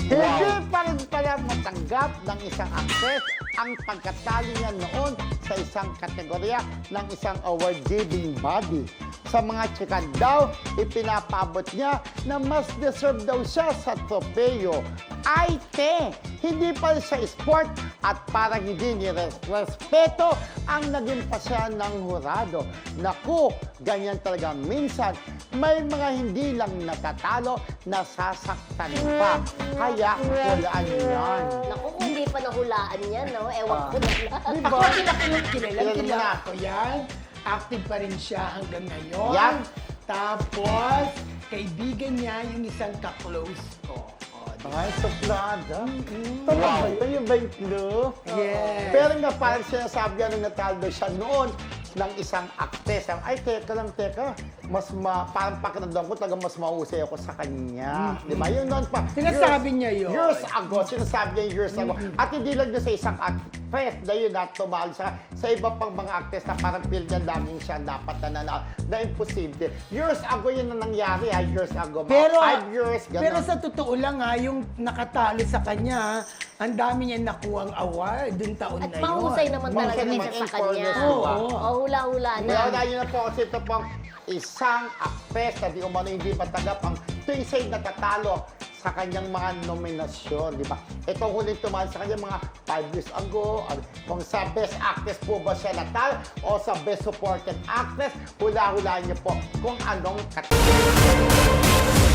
Hindi pa rin pala matanggap ng isang actress ang pagkatali niya noon sa isang kategorya ng isang award-giving body. Sa mga tsikan daw, ipinapaabot niya na mas deserve daw siya sa tropeyo. Ay, hindi pa siya sport at parang hindi nirespeto ang naging pasya ng hurado. Naku, ganyan talaga minsan. May mga hindi lang natatalo, nasasaktan pa. Kaya, hulaan yan. Naku, kung hindi pa nahulaan yan, no? Ewan ko na lang. Ako kilala Kilala ko mo yan. Active pa rin siya hanggang ngayon. Yan. Tapos, kaibigan niya yung isang ka-close ko. Ay, suplada. Wow. Ito yung ba yung clue? Yes. Pero nga parang sinasabi nga nung natalo siya noon ng isang actress. Ay, teka. Parang pakiramdam ko talaga mas mahusay ako sa kanya. Di ba? Yun noon pa. Sinasabi niya yun. Years ago. Sinasabi niya years ago. At hindi lang doon sa isang actress na yun na tumahal sa iba pang mga actress na parang feel niya daming siya dapat na imposible. Years ago yun na nangyari ha. Years ago. Pero, 5 years. Ganun. pero sa totoo lang ha, yung nakatalo sa kanya, ang dami niya nakuhang award dun taon At na yun. mahusay naman talaga Mahusay din naman siya sa in kanya. fairness, di ba? Oo, hula-hula na. Kaya yun na po kasi ito pong isang actress na di umano hindi matanggap ang tuwing siya'y natatalo sa kanyang mga nominasyon, di ba? Ito huling tumahan sa kanya mga 5 years ago. Kung sa Best Actress po ba siya natal o sa Best Supporting Actress, hula-hulaan niyo po kung anong kategory.